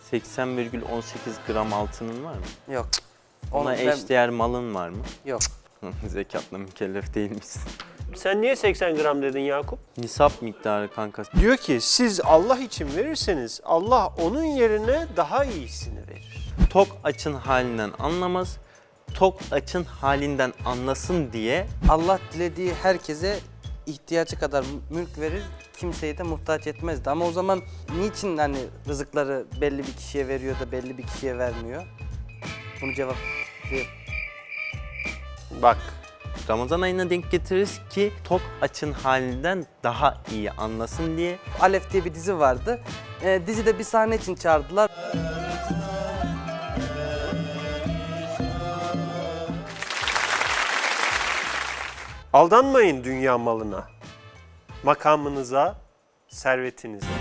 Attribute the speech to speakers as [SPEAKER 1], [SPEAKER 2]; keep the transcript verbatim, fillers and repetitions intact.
[SPEAKER 1] seksen virgül on sekiz gram altının var mı?
[SPEAKER 2] Yok.
[SPEAKER 1] Ona
[SPEAKER 2] Onu ben-
[SPEAKER 1] eşdeğer malın var mı?
[SPEAKER 2] Yok.
[SPEAKER 1] Zekatla mükellef değilmişsin.
[SPEAKER 3] Sen niye seksen gram dedin Yakup?
[SPEAKER 1] Nisap miktarı kanka.
[SPEAKER 3] Diyor ki siz Allah için verirseniz Allah onun yerine daha iyisini verir.
[SPEAKER 1] Tok açın halinden anlamaz, tok açın halinden anlasın diye
[SPEAKER 2] Allah dilediği herkese ihtiyacı kadar mülk verir, kimseyi de muhtaç etmezdi. Ama o zaman niçin hani rızıkları belli bir kişiye veriyor da belli bir kişiye vermiyor? Bunu cevap ver.
[SPEAKER 3] Bak.
[SPEAKER 1] Ramazan ayına denk getiririz ki tok açın halinden daha iyi anlasın diye.
[SPEAKER 2] Alef diye bir dizi vardı. Ee, dizide bir sahne için çağırdılar.
[SPEAKER 3] Aldanmayın dünya malına, makamınıza, servetinize.